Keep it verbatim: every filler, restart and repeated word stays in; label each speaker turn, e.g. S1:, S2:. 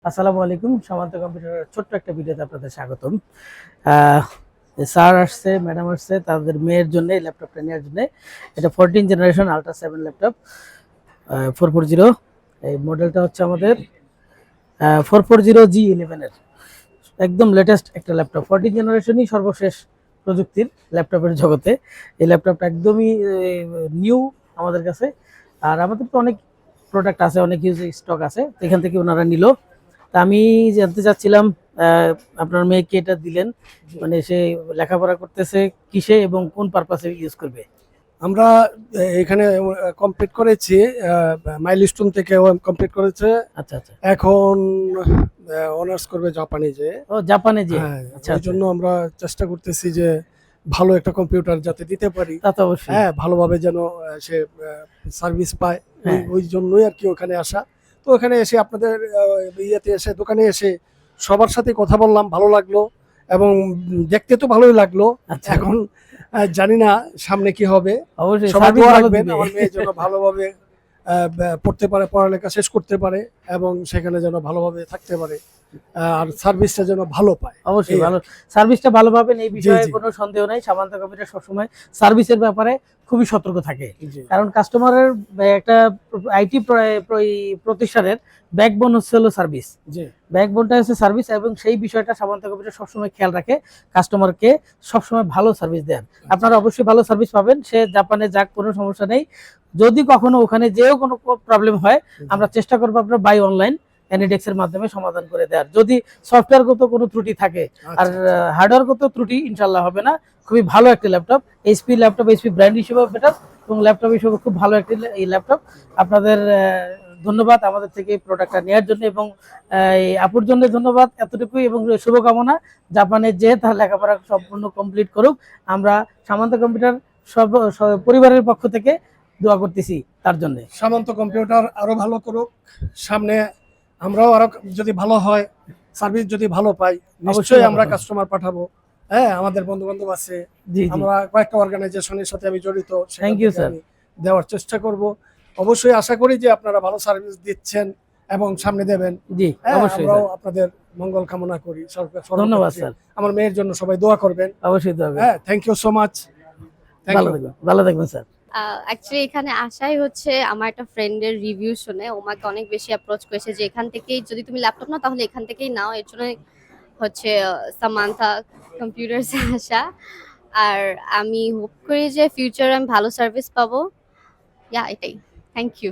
S1: আসসালামু আলাইকুম। সামান্ত কম্পিউটারের ছোট্ট একটা ভিডিওতে আপনাদের স্বাগতম। স্যার আসছে, ম্যাডাম আসছে তাদের মেয়ের জন্য এই ল্যাপটপটা নেওয়ার জন্য। এটা fourteen generation ultra seven laptop four four zero. এই মডেলটা হচ্ছে আমাদের ফোর ফোর জিরো জি ইলেভেনের একদম লেটেস্ট একটা ল্যাপটপ। ফোরটিন জেনারেশনই সর্বশেষ প্রযুক্তির ল্যাপটপের জগতে। এই ল্যাপটপটা একদমই নিউ আমাদের কাছে। আর আমাদের তো অনেক প্রোডাক্ট আছে, অনেক ইউজ স্টক আছে, এখান থেকে ওনারা নিল। তা আমি জানতে চাচ্ছিলাম আপনার মেয়েকে এটা দিলেন, মানে সে লেখাপড়া করতেছে কিসে এবং কোন পারপাসে ইউজ করবে?
S2: আমরা এখানে কমপ্লিট করেছি, মাইলস্টোন থেকে কমপ্লিট করেছে।
S1: আচ্ছা আচ্ছা,
S2: এখন অনার্স করবে জাপানিজে।
S1: ও জাপানে যে,
S2: হ্যাঁ,
S1: আচ্ছা
S2: এই জন্য আমরা চেষ্টা করতেছি যে ভালো একটা কম্পিউটার যাতে দিতে পারি।
S1: তা তো অবশ্যই।
S2: হ্যাঁ, ভালোভাবে যেন সে সার্ভিস পায়,
S1: হ্যাঁ।
S2: ওই জন্যই আর কি ওখানে আসা। তো ওখানে এসে আপনাদের ইয়েতে এসে দোকানে এসে সবার সাথে কথা বললাম, ভালো লাগলো এবং দেখতে তো ভালোই লাগলো।
S1: আচ্ছা,
S2: এখন আহ, জানি না সামনে কি হবে।
S1: অবশ্যই
S2: সবাই
S1: সার্ভিস
S2: দোয়া
S1: ভালো
S2: রাখবেন
S1: দিবে।
S2: আমার মেয়ে যেন ভালোভাবে আহ, ব- পড়তে পারে, পড়ালেখা শেষ করতে পারে এবং সেখানে যেন ভালোভাবে থাকতে পারে, আহ, আর সার্ভিসটা যেন ভালো পায়।
S1: অবশ্যই
S2: এই
S1: ভালো
S2: আর কি।
S1: সার্ভিসটা ভালো পাবেন, এই বিষয়ে
S2: জি।
S1: কোনো সন্দেহ নাই। সামান্ত কম্পিউটার সবসময় সার্ভিসের ব্যাপারে খুবই সতর্ক থাকে,
S2: জি
S1: কারণ কাস্টমারের একটা আইটি প্রতিষ্ঠানের ব্যাকবোন হচ্ছে হলো সার্ভিস।
S2: জি
S1: ব্যাকবোনটা হচ্ছে সার্ভিস, এবং সেই বিষয়টা সামান্ত কম্পিউটার সবসময় খেয়াল রাখে, কাস্টমারকে সবসময় ভালো সার্ভিস দেন। আপনারা অবশ্যই ভালো সার্ভিস পাবেন, সে জাপানে যাক, কোনো সমস্যা নেই। যদি কখনো ওখানে যেও কোনো প্রবলেম হয়, আমরা চেষ্টা করবো আপনার বাই অনলাইন অ্যানিডেক্স এর মাধ্যমে সমাধান করে দেওয়ার। যদি সফটওয়্যারগত কোনো ত্রুটি থাকে আর হার্ডওয়্যারগত ত্রুটি ইনশাল্লাহ হবে না। খুবই ভালো একটা laptop, HP laptop, HP brand হিসেবে বেটার এবং ল্যাপটপ হিসেবে খুব ভালো একটি এই ল্যাপটপ। আপনাদের ধন্যবাদ আমাদের থেকে প্রোডাক্টটা নেওয়ার জন্য, এবং এই আপুর জন্য ধন্যবাদ এতটুকুই, এবং শুভকামনা জাপানে যে তার লেখাপড়া সম্পূর্ণ কমপ্লিট করুক। আমরা সামান্ত কম্পিউটার সব পরিবারের পক্ষ থেকে দোয়া করতেছি তার জন্য।
S2: সামন্ত কম্পিউটার আরো ভালো করুক, সামনে আমরাও আরো যদি ভালো হয়, সার্ভিস যদি ভালো পাই, নিশ্চয়ই আমরা কাস্টমার পাঠাবো। হ্যাঁ, আমাদের বন্ধু বান্ধব আছে, আমরা কয়েকটা অর্গানাইজেশনের সাথে আমি জড়িত,
S1: থ্যাংক ইউ স্যার,
S2: দেওয়ার চেষ্টা করব। অবশ্যই আশা করি যে আপনারা ভালো সার্ভিস দিচ্ছেন এবং সামনে দেবেন।
S1: জি অবশ্যই,
S2: আমরাও আপনাদের মঙ্গল কামনা করি।
S1: ধন্যবাদ স্যার।
S2: আমার মেয়ের জন্য সবাই দোয়া করবেন।
S1: অবশ্যই দোয়া করবেন।
S2: হ্যাঁ, থ্যাংক ইউ সো মাচ।
S1: ভালো থাকবেন, ভালো থাকবেন স্যার।
S3: অ্যাকচুয়ালি এখানে আসাই হচ্ছে আমার একটা ফ্রেন্ডের রিভিউ শুনে ও আমাকে অনেক বেশি অ্যাপ্রোচ করেছে যে এখান থেকেই যদি তুমি ল্যাপটপ নাও তাহলে এখান থেকেই নাও। এর জন্য হচ্ছে সামান্থা কম্পিউটার্সে আসা। আর আমি হোপ করি যে ফিউচারে আমি ভালো সার্ভিস পাবো। ইয়া, এটাই। Thank you.